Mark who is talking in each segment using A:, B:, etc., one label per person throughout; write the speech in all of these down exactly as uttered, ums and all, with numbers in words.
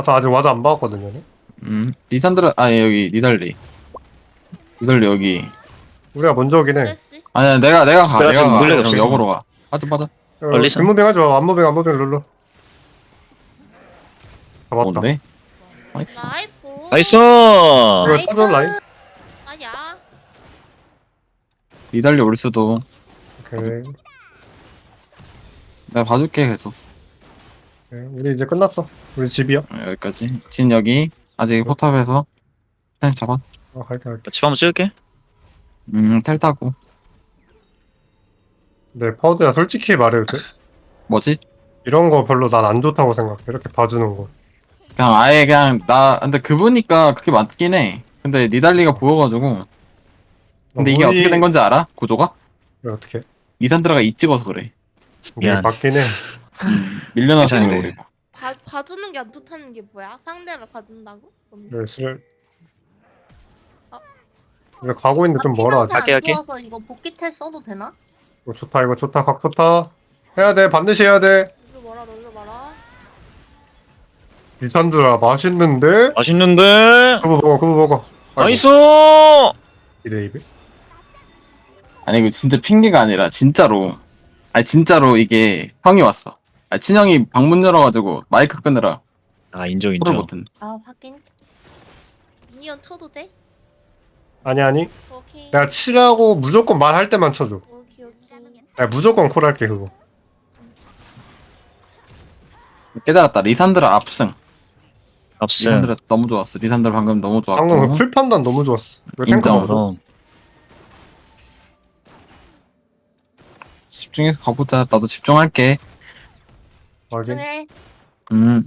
A: 아까 아직 와드 안 박았거든요.
B: 음 리산드라 아니 여기 니달리 니달리 여기
A: 우리가 먼저 오긴 해.
C: 그랬지?
B: 아니야 내가 내가 가
D: 내가
B: 내가
D: 지금
B: 가
D: 물레가
B: 여기
D: 없어서.
B: 역으로 가 빠져 빠져
A: 어,
D: 얼리선?
A: 뒷무빙 하지 마. 안무빙 안무빙 룰루. 잡았다.
B: 뭔데? 나이스
C: 나이스.
D: 나이스!
A: 이거 타전 라인.
C: 아야.
B: 니달리 올 수도
A: 오케이.
B: 내가 봐줄게 계속
A: 오케이. 우리 이제 끝났어. 우리 집이야.
B: 어, 여기까지 진 여기 아직 포탑에서 텔 잡아
A: 어, 갈게 갈게.
D: 집 한번 찍을게.
B: 음텔 타고
A: 네, 파우드야 솔직히 말해도 돼?
B: 뭐지?
A: 이런 거 별로 난 안 좋다고 생각해. 이렇게 봐주는 거.
B: 그냥 아예 그냥 나 근데 그분이니까 그게 맞긴 해 근데 니달리가 보여가지고 근데 이게
A: 우리-
B: 어떻게 된 건지 알아? 구조가?
A: 왜 어떻게?
B: 리산드라가 이 찍어서 그래
A: 이게
D: 미안.
A: 맞긴 해.
B: 밀려나서
D: 괜찮은데.
B: 그래 우리가
C: 봐 봐주는 게 안 좋다는 게 뭐야? 상대를 봐준다고? 뭔데?
A: 네, 슬.
C: 어?
A: 우리 가고 있는데 좀 멀어 아직.
D: 할게, 할게.
E: 좋아서 이거 복귀텔 써도 되나?
A: 이거 좋다 이거 좋다 각 좋다. 해야 돼 반드시 해야 돼.
C: 롤러 봐라 롤러 봐라.
A: 리산드라 맛있는데?
D: 맛있는데?
A: 그거 먹어 그거 먹어.
D: 나이스!
A: 이대 입에.
B: 아니 이거 진짜 핑계가 아니라 진짜로 아니 진짜로 이게 형이 왔어 아 친형이 방문 열어가지고 마이크 끄느라
D: 아, 인정,
B: 프로
D: 인정.
B: 못했네
E: 아 확인.
C: 미니언 쳐도 돼?
A: 아니 아니.
C: 오케이.
A: 내가 치라고 무조건 말할 때만 쳐줘.
C: 오케이 오케이.
A: 내가 무조건 콜할게 그거.
B: 깨달았다 리산드라 압승
D: 압승.
B: 리산드라 너무 좋았어 리산드라 방금 너무 좋았고
A: 방금 그 풀 판단 너무 좋았어. 이거 탱크
B: 인정.
A: 먹어.
D: 그럼.
B: 집중해서 가보자 나도 집중할게
A: 확인.
E: 중에
B: 음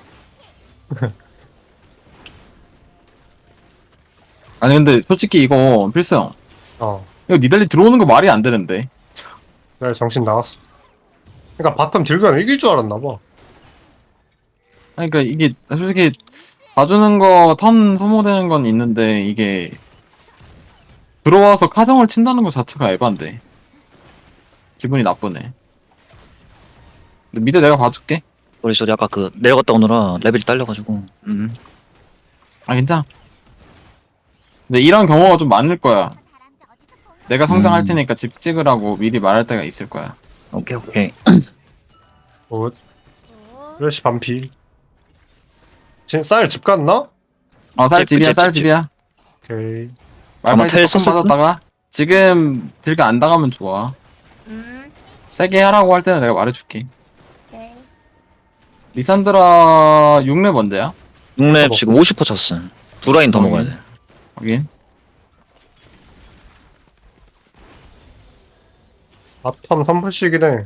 B: 아니 근데 솔직히 이거 필수형
A: 어.
B: 이거 니달리 들어오는 거 말이 안 되는데
A: 내가 정신 나갔어. 그러니까 바텀 딜교는 이길 줄 알았나 봐.
B: 아니 그러니까 이게 솔직히 봐주는 거 턴 소모되는 건 있는데 이게 들어와서 카정을 친다는 거 자체가 에반데 기분이 나쁘네 근데 미드 내가 봐줄게
D: 우리 저기 아까 그 내려갔다 오느라 레벨이 딸려가지고.
B: 음. 아 괜찮아 근데 이런 경우가 좀 많을 거야 내가 성장할
D: 음.
B: 테니까 집 찍으라고 미리 말할 때가 있을 거야
D: 오케이, 오케이.
A: 어,
C: 어.
A: 플래시 반피. 진 쌀 집 갔나?
B: 어
D: 집,
B: 쌀집이야
D: 집, 집,
B: 쌀집이야
A: 오케이.
D: 아마
B: 말파이트
D: 텔
B: 조금
D: 썼을
B: 빠졌다가 지금 딜가 안 당하면 좋아
E: 음.
B: 세게 하라고 할 때는 내가 말해줄게
E: 오케이.
B: 리산드라 육 렙 언제야?
D: 육 렙 지금 오십 퍼센트 찼어. 두 라인 더
B: 어,
D: 먹어야
B: 예.
D: 돼.
B: 확인
A: 바텀 삼 푸시긴 해.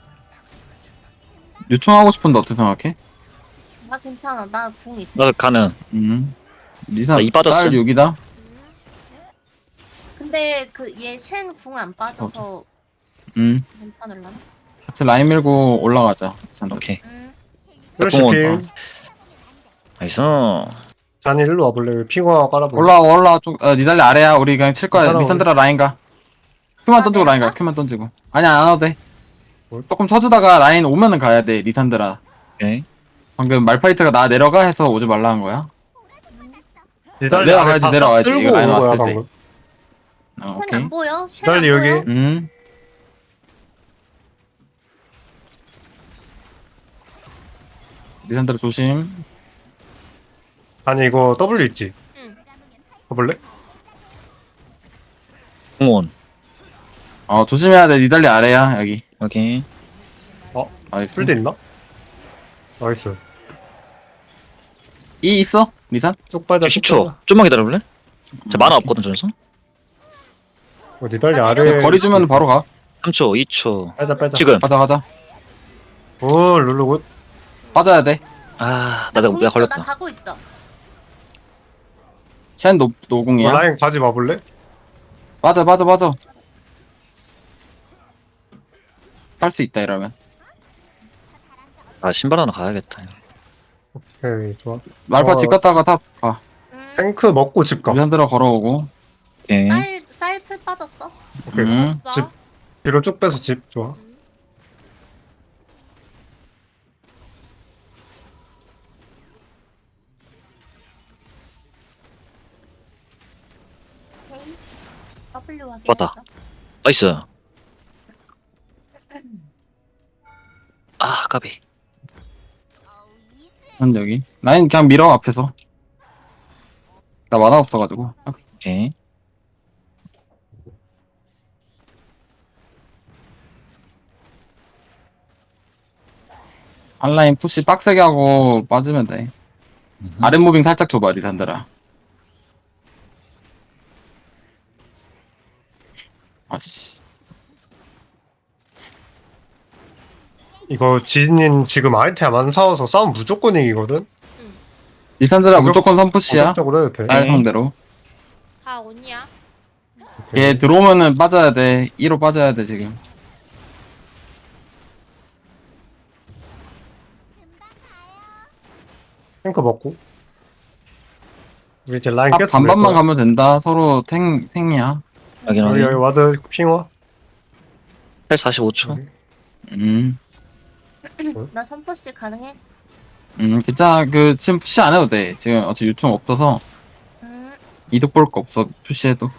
B: 요청하고 싶은데 어떻게 생각해?
E: 나 괜찮아. 나 궁 있어.
D: 나 가능.
B: 음 리산
D: 나 이 빠졌어.
B: 쌀 육이다?
E: 근데 그 얘 쉔 궁 안 빠져서
B: 음
E: 괜찮을라나?
B: 같이 라인 밀고 올라가자 리산드라
D: 오케이.
E: 음.
A: 플래시
D: 공원.
A: 필.
D: 나이스.
A: 잔이 일로 와볼래? 핑화 깔아볼래?
B: 올라와 올라와 좀 어, 니달리 아래야 우리 그냥 칠 거야
A: 괜찮아,
B: 리산드라 라인 가 큐만
E: 아,
B: 던지고 라인 가
E: 내가?
B: 큐만 던지고 아니야 안 와도 돼
A: 뭘?
B: 조금 쳐주다가 라인 오면은 가야 돼 리산드라
D: 오케이.
B: 방금 말파이트가 나 내려가 해서 오지 말라 한 거야
A: 니달리
B: 내려와야지,
A: 안에 다
B: 내려와야지.
A: 쓸고
B: 이거 라인
A: 온 거야,
B: 왔을 때.
A: 방금.
B: 어
E: 쉔
B: 오케이
E: 안 보여? 쉔
A: 달리
E: 안
A: 여기.
E: 보여?
B: 음 리산드라 조심
A: 아니 이거 W 있지?
C: 응.
A: 가볼래?
D: 공원.
B: 어 조심해야 돼 니달리 아래야 여기
D: 오케이.
B: 나이스
A: 풀대 있나? 나이스.
B: 이 있어? 리산?
A: 쭉 빠져.
D: 십 초. 좀만 기다려볼래? 제 만화 없거든, 전서.
A: 어, 니달리
E: 아,
A: 아래.
B: 그냥 거리 주면 바로 가
D: 삼 초, 이 초.
A: 빼자 빼자.
D: 지금.
B: 가자 가자
A: 오 룰루 굿.
B: 빠져야 돼
D: 아, 나, 나,
E: 궁
D: 나
E: 있어. 나
D: 걸렸다.
E: 가고 있어.
B: 쟨 노,
A: 어,
B: 노공이야
A: 라인 가지 마볼래?
B: 빠져 빠져 빠져 할 수 있다 이러면
D: 아, 신발 하나 가야겠다.
A: 오케이 좋아.
B: 말파
A: 어.
B: 집 갔다가 탑가
E: 음.
A: 탱크 먹고 집 가.
B: 리산드라 걸어오고
D: 오케이.
E: 쌀 쌀풀 빠졌어.
A: 오케이.
B: 음.
C: 왔어.
A: 집. 뒤로 쭉 빼서 집 좋아.
E: W 확인.
D: 왔다. 나이스. 아 까비.
B: 한 여기 라인 그냥 밀어 앞에서. 나 만화 없어가지고.
D: 오케이.
B: 한라인 푸시 빡세게 하고 빠지면 돼.
D: 음흠.
B: 아랫 무빙 살짝 줘봐 리산드라. 아씨.
A: 이거 지인 지금 아이템 안 사와서 싸움 무조건 이기거든?
B: 리산드라
A: 공격-
B: 무조건 선 푸시야.
A: 적극적으로 해도 돼.
B: 쌀 상대로.
C: 다 온이야?
B: 걔 들어오면은 빠져야 돼. 이로 빠져야 돼 지금.
A: 탱크 먹고. 우리 이제 라인
B: 탑
A: 계속
B: 반반만
A: 밀 거야.
B: 가면 된다. 서로 탱 탱이야.
D: 여기
A: 여기 여기
D: 여기.
A: 와드 핑화.
D: 팔 사십오 초.
B: 음.
E: 나 선포시 가능해?
B: 음, 괜찮아. 그, 지금 푸시 안 해도 돼. 지금 어차피 유충 없어서
E: 음.
B: 이득 볼 거 없어. 푸시해도.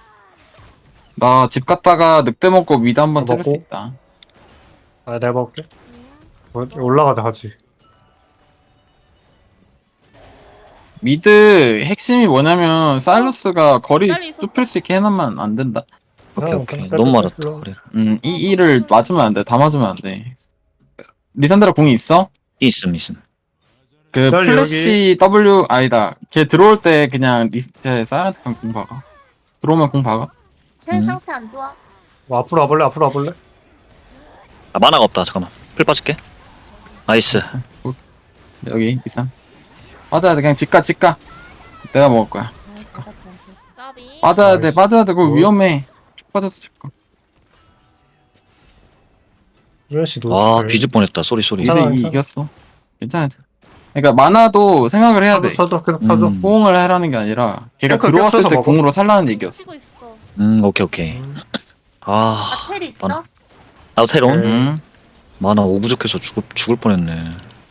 B: 나 집 갔다가 늑대 먹고 미드 한번 찍을 수
A: 먹고?
B: 있다.
A: 아 내가 먹을게.
C: 음.
A: 뭐, 올라가자 같이.
B: 미드 핵심이 뭐냐면 사일러스가 거리
C: 기다리 있었어.
B: 좁힐 수 있게 해놓으면 안 된다.
D: 오케이
A: 아,
D: 오케이.
A: 그래,
D: 너무
A: 그래,
D: 맞았다.
A: 그래.
D: 거리를.
B: 음, 이 일을 맞으면 안 돼. 다 맞으면 안 돼. 리산드라 궁이 있어?
D: 있음 있음.
B: 그
A: 널
B: 플래시 W 아니다. 걔 들어올 때 그냥 리 걔 사이렌트 그냥 궁 박아. 들어오면 궁 박아.
E: 제
D: 음.
E: 상태 안 좋아.
A: 뭐 앞으로 와볼래? 앞으로 와볼래?
D: 아 만화가 없다. 잠깐만. 풀 빠질게. 나이스.
B: 여기 이상. 빠져야 돼. 그냥 집가 집가. 내가 먹을 거야.
E: 아,
C: 까비.
B: 빠져야 돼.
A: 나이스.
B: 빠져야 돼. 그거
A: 뭐?
B: 위험해. 쭉 빠져서 집가.
A: 유현씨 노스.
D: 아 뒤질 뻔했다. 쏘리 쏘리.
A: 괜찮아,
B: 미드
A: 괜찮아.
B: 이겼어. 괜찮아. 괜찮아. 그러니까 만화도 생각을 해야 돼.
A: 쳐줘 쳐줘 계속 쳐줘.
D: 음.
B: 호응을 하라는 게 아니라 걔가
A: 탱크
B: 들어왔을
A: 껴서
B: 때
A: 먹어.
B: 궁으로 살라는 얘기였어.
C: 치고 있어.
D: 음 오케이 오케이.
A: 음.
D: 아
E: 아, 텔 있어?
D: 만화. 나도 테론.
A: 네.
B: 응.
D: 만화 오 부족해서 죽을 죽을 뻔했네.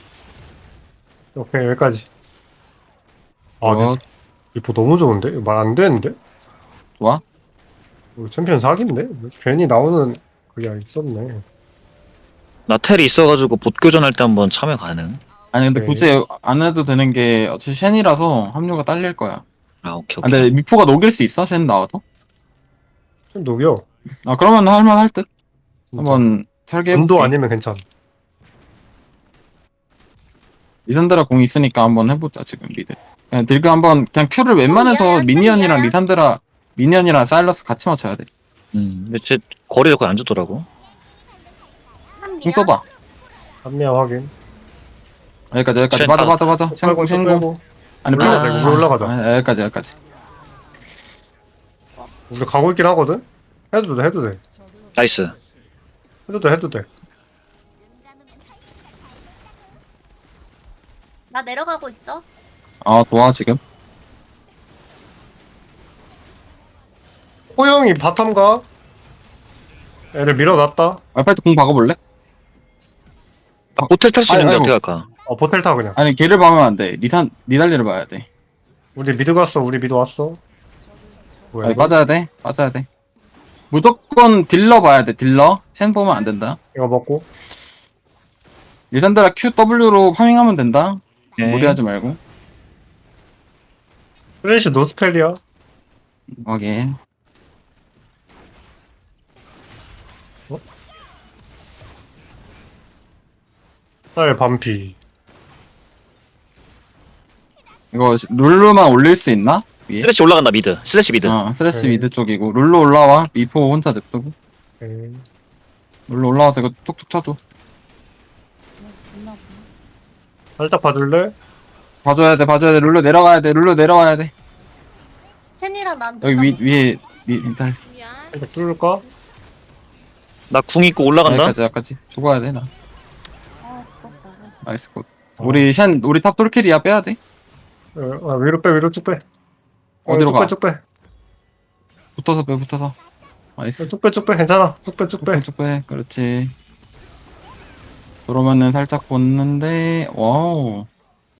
A: 오케이 여기까지. 아
B: 어,
A: 이거 너무 좋은데? 말 안 되는데?
B: 좋아.
A: 우리 챔피언 사기인데? 괜히 나오는 그게 있었네.
D: 나 텔이 있어가지고 봇 교전할 때 한번 참여 가능.
B: 아니 근데
A: 오케이.
B: 굳이 안 해도 되는 게 어차피 쉔이라서 합류가 딸릴 거야.
D: 아 오케이
B: 아,
D: 오케이.
B: 근데 미포가 녹일 수 있어? 쉔 나와도?
A: 좀 녹여.
B: 아 그러면 할만할 듯. 한번 설계해
A: 운도
B: 볼게.
A: 아니면 괜찮아.
B: 리산드라 공 있으니까 한번 해보자 지금 미드. 그냥 딜그 한번 그냥 큐를 웬만해서
E: 야, 야,
B: 미니언이랑
E: 야.
B: 리산드라 미니언이랑 사일러스 같이 맞춰야 돼.
D: 음 근데 제 거리를 거의 안 주더라고.
B: 공 써봐.
A: 한미야 확인.
B: 여기까지 여기까지
D: 쉔
B: 맞아
D: 아,
B: 맞아 맞아.
A: 빼고
B: 쉔공
A: 쭉
B: 쉔공.
A: 빼고.
B: 아니
A: 올라가자,
B: 플레-
A: 우리 올라가자.
B: 아, 여기까지 여기까지.
A: 우리 가고 있긴 하거든? 해도 돼 해도 돼.
D: 나이스.
A: 해도 돼 해도 돼.
E: 나 내려가고 있어.
B: 아 좋아 지금.
A: 호영이 바텀 가. 애를 밀어놨다.
B: 알파이트 공 박아볼래?
D: 아, 호텔 탈 수
B: 아니,
D: 있는데
B: 아이고.
D: 어떻게 할까?
A: 어 보텔 타 그냥.
B: 아니 걔를 박으면 안 돼. 리산 니달리를 봐야 돼.
A: 우리 미드 갔어. 우리 미드 왔어. 뭐야
B: 아니
A: 이거?
B: 빠져야 돼. 빠져야 돼. 무조건 딜러 봐야 돼. 딜러. 쉔 보면 안 된다.
A: 이거 먹고.
B: 리산드라 큐 더블유로 파밍하면 된다.
D: 오케이.
B: 무리하지 말고.
A: 플래시 노스펠이야.
B: 오케이.
A: 쌀 반피.
B: 이거 룰루만 올릴 수 있나? 위에?
D: 슬래시 올라간다 미드. 슬래시 미드.
B: 어, 스레스
A: 네.
B: 미드 쪽이고 룰루 올라와. 미포 혼자 냅두고.
A: 오케이.
B: 룰루 올라와서 이거 툭툭 쳐줘.
A: 살짝 봐줄래?
B: 봐줘야 돼. 봐줘야 돼. 룰루 내려가야 돼. 룰루 내려와야 돼.
E: 쉔이랑 난
B: 여기 위 위에 미 달.
C: 미안.
A: 살짝 뚫을까?
D: 나 궁 있고 올라간다.
B: 여기까지 여기까지 죽어야 돼 나.
E: 아 죽었다.
B: 나이스 굿. 우리 쉔 우리 탑 똘킬이야 빼야 돼.
A: 어, 아, 위로 빼 위로 쭉 빼. 어,
B: 어디로
A: 쭉
B: 가?
A: 빼, 쭉 빼.
B: 붙어서 빼 붙어서. 나이스.
A: 쭉 빼, 쭉 빼. 괜찮아. 쭉 빼, 쭉 빼.
B: 쭉 빼. 그렇지. 들어오면은 살짝 보는데 와우.